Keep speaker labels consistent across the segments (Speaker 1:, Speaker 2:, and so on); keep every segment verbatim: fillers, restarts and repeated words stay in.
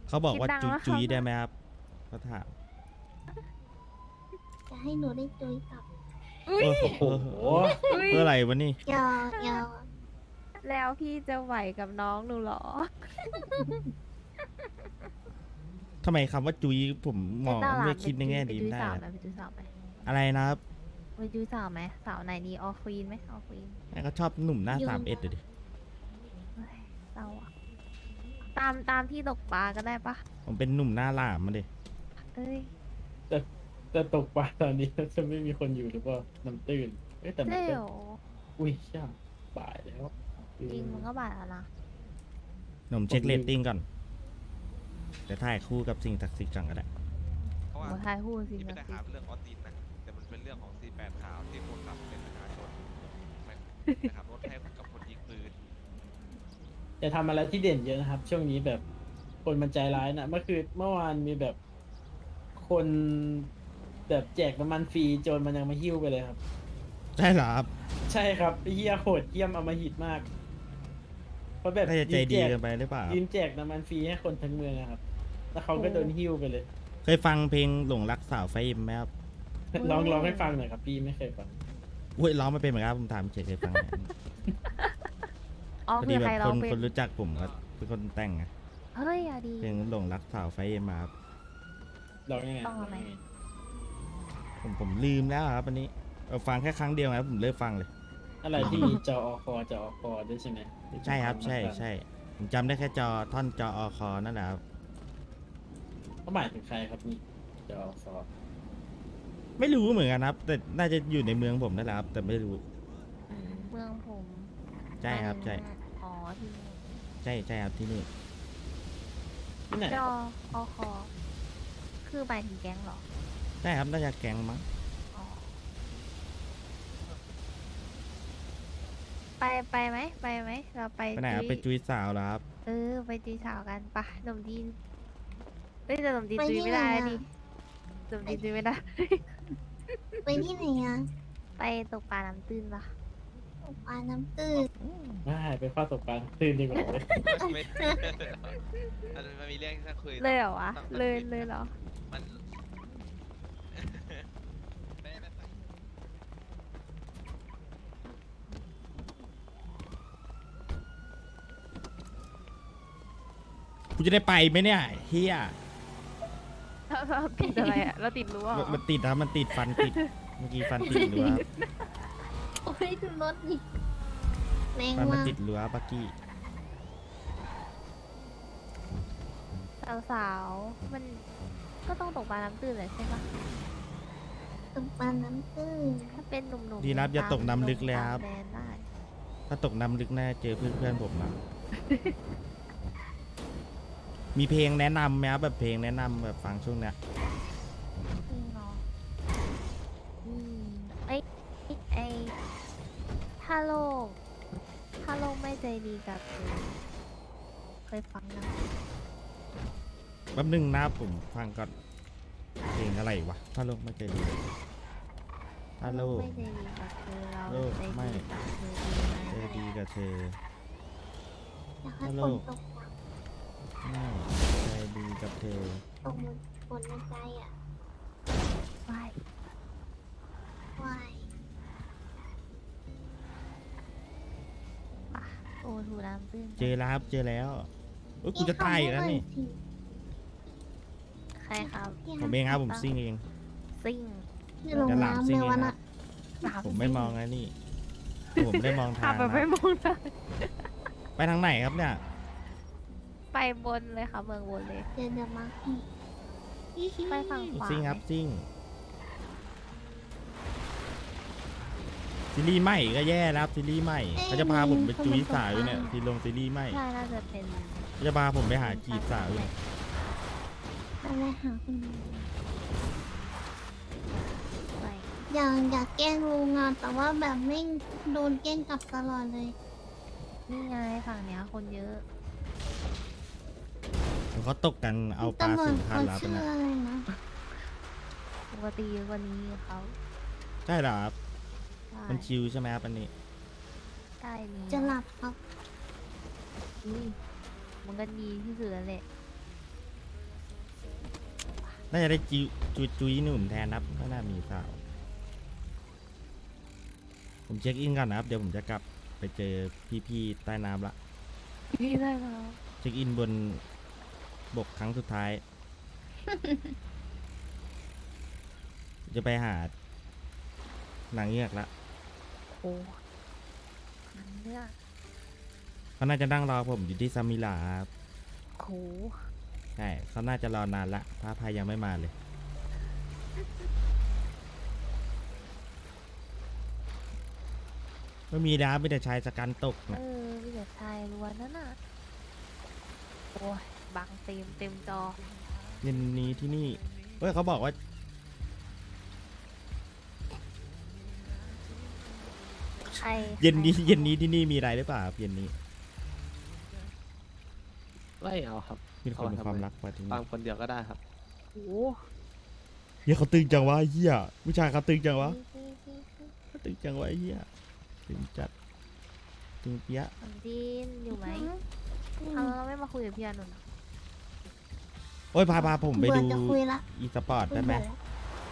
Speaker 1: เขาบอกว่า
Speaker 2: คิดดัง
Speaker 1: จุย
Speaker 2: แล้ว
Speaker 1: จุย
Speaker 2: ครับ
Speaker 1: ได้ไหมครับเขาถาม
Speaker 3: จะให้หนูได้จุยกับ
Speaker 2: อุ้ย
Speaker 1: โอ้โห
Speaker 2: อุ้ย
Speaker 1: เพื่ออะไรวะนี่
Speaker 3: ยอยอ
Speaker 2: แล้วพี่จะไหวกับน้องหนูเหรอ
Speaker 1: ทำไมคำว่าจุยผมมอง
Speaker 2: เต้าหลา
Speaker 1: ไม่
Speaker 2: น
Speaker 1: คิดในแง่
Speaker 2: ไป
Speaker 1: ดี
Speaker 2: จุย
Speaker 1: ได้
Speaker 2: สาว
Speaker 1: อะ
Speaker 2: ไหมไปจุยสาวไหม
Speaker 1: อะไรนะครับ
Speaker 2: ไปจุยสาวไหมสาวไหนดีออควีนไหมออควีน
Speaker 1: แม่ก็ชอบหนุ่มหน้าสามเอ็ดดิ
Speaker 2: เศร้าอะตามตามที่ตกปลาก็ได้ปะ
Speaker 1: ผมเป็นหนุ่มหน้าหลามมาดิ
Speaker 2: เอ้ย
Speaker 4: แต่แต่ตกปลาตอนนี้จะไม่มีคนอยู่หรือเปล่าน้ำตื้นเอ้ยแต่มัน
Speaker 2: เร็
Speaker 4: ก็
Speaker 2: ว
Speaker 4: อุ้ยช่างบ่ายแล้ว
Speaker 2: จริงมันก็บาดแล้วนะ
Speaker 1: หนุ่มเช็คเรตติ้งก่อนเดี๋ยวถ่ายคู่กับสิ่งศักดิ์สิทธิ์ก่อนก็ได้
Speaker 5: เพราะว่า
Speaker 2: หัวท้ายหูสิ
Speaker 5: ที่ไม่
Speaker 2: นะ
Speaker 5: ได้
Speaker 2: สิ
Speaker 5: หาเรื่องออสตินนะแต่มันเป็นเรื่องของ ซี แปด ขาวที่คนขับเป็นประชาชนไม่ขับรถให้กับคนยิงปืน
Speaker 4: จะทำอะไรที่เด่นเยอะนะครับ ช่วงนี้แบบคนมันใจร้ายนะเมื่อคืนเมื่อวานมีแบบคนแบบแจกน้ำมันฟรีโจรมันยังมาหิ้วไปเลยครับ
Speaker 1: ใช่เหรอครับ
Speaker 4: ใช่ครับไอ้เฮียโหดเยี่ยมอำมหิตมากเพราะแบบ
Speaker 1: น่าจะใจดี
Speaker 4: ยืนแจ
Speaker 1: เกันไปหรือเปล่า
Speaker 4: ยืนแจกน้ำมันฟรีให้คนทั้งเมืองอะครับ แล้วเขาก็โดนหิ้วไปเลย
Speaker 1: เคยฟังเพลงหลงรักสาวไฟเอ็มไหมครับ
Speaker 4: ลองร้องให้ฟังหน่อยครับพี่ไม่เคยฟัง
Speaker 1: อุ้ยร้องไม่เป็นเหมือนกันครับผมถามเฉยเคยฟังไหม
Speaker 2: อ๋อ
Speaker 1: พอ
Speaker 2: คื
Speaker 1: ดี
Speaker 2: อ
Speaker 1: แบ
Speaker 2: ใคร
Speaker 1: บ
Speaker 2: ร้
Speaker 1: ค
Speaker 2: อง
Speaker 1: น
Speaker 2: เป็น
Speaker 1: คนรู้จักผมก็เป็นคนแต่งไง
Speaker 2: เฮ้ยอะดี
Speaker 1: เพลงหลงรักสาวไฟเอ็มมาครับ
Speaker 4: ร้องยังไง
Speaker 2: ต้องเอาไหม
Speaker 1: ผมผมลืมแล้วครับอันนี้เออฟังแค่ครั้งเดียวครับผมเลิกฟังเลย
Speaker 4: อะไรที่มีจออคอจออคอด้วยใช่ไหม
Speaker 1: ใช่ครับ ใช่ใช่ผมจำได้แค่จอท่อนจออคอนั่นแหละครับ
Speaker 4: เขาหมายถึงใครครับนี่จออคอ
Speaker 1: ไม่รู้เหมือนกันครับ แต่น่าจะอยู่ในเมืองผมนั่นแหละครับ แต่ไม่รู้
Speaker 2: เมืองผม
Speaker 1: ใช่ครับใช่
Speaker 2: อ๋อที่นี่
Speaker 1: ใช่ใช่ครับที่นี่
Speaker 4: ที่ไหน
Speaker 2: จออคอคือหมายถึงแก๊งเหรอ
Speaker 1: ใช่ครับน่าจะแก๊งมั้ง
Speaker 2: อ๋อไปไปไหมไปไหมเราไป
Speaker 1: ไปไหนครับไป
Speaker 2: จุย
Speaker 1: จุยสาวเหรอครับ
Speaker 2: เออไปจุยสาวกันปะหนุ่มดีนเฮ้ยแต่หนุ่มดีน
Speaker 3: ไป
Speaker 2: จุย
Speaker 3: ที่
Speaker 2: ไม่
Speaker 3: ไหน
Speaker 2: ได้
Speaker 3: อะ
Speaker 2: ดิหนุ่มดีนจุยไม่ได้
Speaker 3: ไปที่ไหนอ่ะ
Speaker 2: ไปตกปลาน้ำตื้นปะ
Speaker 3: ตกปลาน้ำตื้น
Speaker 4: ไม่ไปข้อตกปลาตื่นดีกว่าเลย
Speaker 5: ไม่อันนั้นมันมีเรื่องที่ต้องคุย
Speaker 2: เลยเหรอวะ
Speaker 5: ต้อง
Speaker 2: เลย
Speaker 5: คุ
Speaker 2: เลยเหรอ
Speaker 5: มันไม่ไม่ไม่
Speaker 1: กูจะได้ไปไหมเนี่ยเฮีย
Speaker 2: เราติดอะไรอะเราติดรั้วเหร
Speaker 1: มัน
Speaker 2: อ
Speaker 1: มันติดครับมันติดฟันติดเมื่อกี้ฟันติดรั้วครับ
Speaker 3: โอ้ยดูรถนี่แรง
Speaker 1: ฟันมัน
Speaker 3: มาก
Speaker 1: ติดรั้วปักกี้
Speaker 2: สาวๆมันก็ต้องตกปลาน้ำตื้นเลยใช่ปะ
Speaker 3: ตกปลาน้ำตื้น
Speaker 2: ถ้าเป็นหนุ่มๆ
Speaker 1: ดีนะครับอย่าตกน้ำลึกเลย
Speaker 2: ตาม
Speaker 1: ครับ
Speaker 2: แดนได้
Speaker 1: ถ้าตกน้ำลึกแน่เจอเพื่อนเพื่อนๆผมนะ มีเพลงแนะนำไหมครับแบบเพลงแนะนำแบบฟังช่วงเนี้ย
Speaker 2: จริงเนาะอืมไอไอถ้าโลก ถ้าโลกไม่ใจดีกับเธอเคยฟังยัง
Speaker 1: แป๊บนึงนะผมฟังก่อนเพลงอะไรวะถ้าโลกไม่ใจดีถ้าโลก
Speaker 2: ไม่ใจดีกับเธอเรา
Speaker 1: โลก
Speaker 2: ใจ
Speaker 1: ไม่
Speaker 2: ดีกับเธอดีไหม
Speaker 1: ใจดีกับเธอ
Speaker 3: อยากให้
Speaker 1: ฮัลโหล
Speaker 3: ฝนตกหนัก
Speaker 1: ไม่ใจดีกับเธอ
Speaker 3: ตกหมดฝนในใจอ่ะ
Speaker 2: ไป
Speaker 3: วาย
Speaker 2: ปะโอ้ถูน้ำตื้น
Speaker 1: เจอแล้วครับเจอแล้วเอ้ยกูจะตายอีกแล้วนี่
Speaker 2: ใครครับ
Speaker 1: ผมเองครับผมซิ่งเอง
Speaker 2: ซิ่ง
Speaker 3: ที่ลง
Speaker 1: จะหลับ
Speaker 3: น้ำ
Speaker 1: ซิ่
Speaker 3: เล
Speaker 1: ง
Speaker 3: ย
Speaker 1: เอง
Speaker 3: วัน
Speaker 1: ครั
Speaker 3: น่ะ
Speaker 1: บผมไม่มองนะนี่ผมไม่ได้มองทา
Speaker 2: ขับ
Speaker 1: ง
Speaker 2: แบบไม่
Speaker 1: นะ
Speaker 2: มองทาง
Speaker 1: ไปทางไหนครับเนี่ย
Speaker 2: ไปบนเลยค่ะเมืองบนเลย
Speaker 3: เดี๋ยวเดี๋ยวมาให้
Speaker 2: ไปฝั่งขวา
Speaker 1: ซิ่งครับ
Speaker 2: ไหม
Speaker 1: ซิ่งซีรีส์ใหม่ก็แย่แล้วครับซีรีส์ใหม่เขาจะพาผมไปจุยสาวอยู่เนี่ยทีลงซีรีส์ใหม่
Speaker 2: ใช่น่าจะเป็น
Speaker 1: เขาจะพาผมไปหาจีบสาวอยู่เนี่ย
Speaker 3: อะไรหาคุณลุง
Speaker 2: ไป
Speaker 3: อยากอยากแกล้งลุงอ่ะแต่ว่าแบบไม่โดนแกล้งกลับตลอดเลย
Speaker 2: นี่ไงฝั่งเนี้ยคนเยอะ
Speaker 1: เขาตกกันเอาปลา
Speaker 3: ตำรว
Speaker 1: สู
Speaker 3: จ
Speaker 1: งคั
Speaker 3: เขา
Speaker 1: นแล้ว
Speaker 3: ชื่อ
Speaker 1: นะ
Speaker 3: อะไรนะ
Speaker 2: ปกติเยอะกว่านี้เขา
Speaker 1: ใช่เหรอครับ
Speaker 2: ใช่
Speaker 1: มันชิวใช่ไหมครับอันนี้
Speaker 2: ใช่นี้
Speaker 3: จะหลับครับ
Speaker 2: อุ้ยมันก็ดีที่สุดแล้วแหละ
Speaker 1: น่าจะได้จิจุยจุยหนุ่มแทนครับไม่น่ามีสาว ผมเช็คอินก่อนนะครับ เดี๋ยวผมจะกลับไปเจอพี่ๆใต้น้ำละ
Speaker 2: พี่ได้แล้ว
Speaker 1: เช็คอินบนบกครั้งสุดท้าย จะไปหานางเงือกละ
Speaker 2: โอ้มันเลือก
Speaker 1: เขาน่าจะนั่งรอผมอยู่ที่ซามิลาครับ
Speaker 2: โห
Speaker 1: ใช่เขาน่าจะรอนานละพระพายยังไม่มาเลย ไม่มีดาไม่แต่ชายสกันตก
Speaker 2: เอ
Speaker 1: นะ
Speaker 2: อมีแต่ชายล้วนนั่นน่ะ โอ้ย บังเต็มเต็มจอ
Speaker 1: เย็นนี้ที่นี่เฮ้ยเขาบอกว่า
Speaker 2: ใคร
Speaker 1: เย็นนี้
Speaker 2: ใคร
Speaker 1: เย็นนี้ที่นี่มีอะไรหรือเปล่าครับเย็นนี้
Speaker 6: ไม่เอาครับ
Speaker 1: มีคนมี
Speaker 6: เอาทำไม
Speaker 1: ความรักมาที่
Speaker 6: ฟั
Speaker 1: นี่
Speaker 6: งคนเดียวก็ได้ครับ
Speaker 2: โอ้
Speaker 1: เฮียเขาตึงจังวะเฮียผู้ชายเขาตึงจังวะ
Speaker 2: พี่พี่พี่
Speaker 1: เขาตึงจังวะเฮียตึงจัดตึงเปี้ยะ
Speaker 2: ผมจีนอยู่ไหม
Speaker 3: อืม
Speaker 2: เอาเราไม่มาคุยกับพี่อานนท์
Speaker 1: โอ้ยพาพาผมไป
Speaker 3: เบื่อ
Speaker 1: ดู
Speaker 3: จะคุยละ
Speaker 1: อีสปอร์ตได้ไหม
Speaker 3: เบื่อ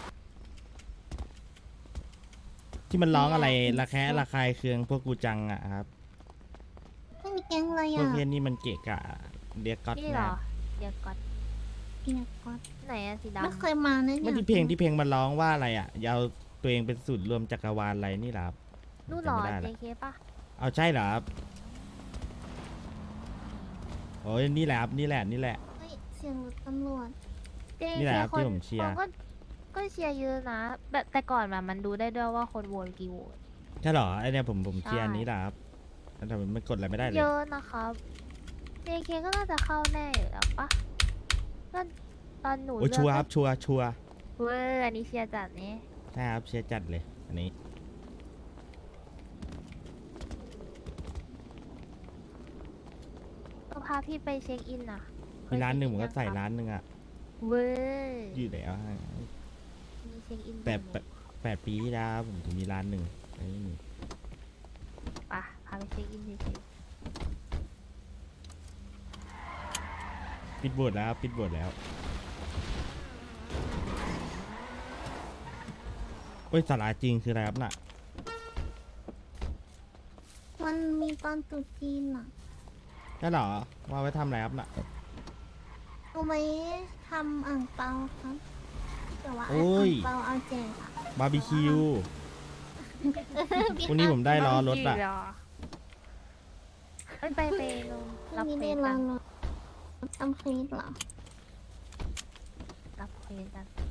Speaker 1: ที่มันร้องอะไรระแคะระคายเคืองพวกกูจังอะครับ
Speaker 3: ไม่มีแก๊งอะไร
Speaker 1: พว
Speaker 3: อ่ะ
Speaker 1: กเพี้ยนนี่มันเกะกะเรียกก๊อต
Speaker 2: นี่เหร
Speaker 1: นะ
Speaker 2: อ เดี๋ยวก่อน
Speaker 3: เพียกอด
Speaker 2: ไหนอะสีดำ
Speaker 3: ไม่เคยมานะ
Speaker 1: ไม่
Speaker 3: เนี่ย
Speaker 1: ที่เพลงที่เพลงมันร้องว่าอะไรอะอยาวตัวเองเป็นสุดรวมจักรวาลอะไรนี่เหรอครับ
Speaker 2: นู่นเหรอ
Speaker 1: จำไม่ได้ละ
Speaker 2: เจเคป่ะ
Speaker 1: เอาใช่เหรอครับโอ้ยนี่แหละครับนี่แหละนี่แหละ
Speaker 3: เฮ้ยเสียงรถตำรวจ
Speaker 2: เจ
Speaker 1: นี่
Speaker 2: เค
Speaker 1: แหละครับ
Speaker 2: คน
Speaker 1: ที่ผมเชียร์
Speaker 2: คนก็ก็เชียร์เยอะนะแบบแต่ก่อนแบบมันดูได้ด้วยว่าคนโหวตกี่โหวต
Speaker 1: ใช่เหรอไอเนี่ยผมผม
Speaker 2: ใช่
Speaker 1: เชียร์อันนี้แหละครับแต่มันกดอะไรไม่ได้เลย
Speaker 2: เยอะนะครับเจเคก็น่าจะเข้าแน่อยู่แล้วปะก็ตอนหนู
Speaker 1: โอ้ย
Speaker 2: เลื
Speaker 1: ชัวร์ค
Speaker 2: ก็
Speaker 1: รับชัวร์ชัวร์
Speaker 2: เว้ยอันนี้เชียร์จัดนี่
Speaker 1: ใช่ครับเชียร์จัดเลยอันนี้
Speaker 2: ก็พาพี่ไปเช็คอินน่ะ
Speaker 1: มีร้านหนึ่งผมก็ใส่
Speaker 2: เคยเช็คอิ
Speaker 1: ร้านหนึ่งอะ
Speaker 2: เว้ย
Speaker 1: อยู่แล้วฮะ
Speaker 2: มีเช็คอิน
Speaker 1: แต่
Speaker 2: ด้วย
Speaker 1: แปดแปดปีที่แล้วผมถึงมีร้านหนึ่งอันนี้มี
Speaker 2: ปะพาไปเช็คอินเฉย
Speaker 1: ปิดบทแล้วปิดบทแล้วโอ้ยสาราจริงคืออะไรครับน่ะ
Speaker 3: มันมีตอนตรุษจีนอ่ะ
Speaker 1: ใช่เหรอว่าไว้ทำอะไรครับน่ะ
Speaker 3: เอาไว้ทำอ่างเปาครับแต่ว่า
Speaker 1: โอ้
Speaker 3: อ่าง
Speaker 1: ย
Speaker 3: เปาเอาแจกอะ
Speaker 1: บาร์บีคิววันนี้ผมได้
Speaker 2: ๆ
Speaker 1: ล้อรถ
Speaker 2: อะ
Speaker 1: อะ
Speaker 2: เอ้ยไปไปลง
Speaker 3: พ
Speaker 2: รั
Speaker 3: รุ่
Speaker 2: บ
Speaker 3: ง
Speaker 2: เฟ
Speaker 3: นี้
Speaker 2: ซ
Speaker 3: ได้
Speaker 2: กั
Speaker 3: ราน รถทำเฟซเหรอ
Speaker 2: รับเฟซกัน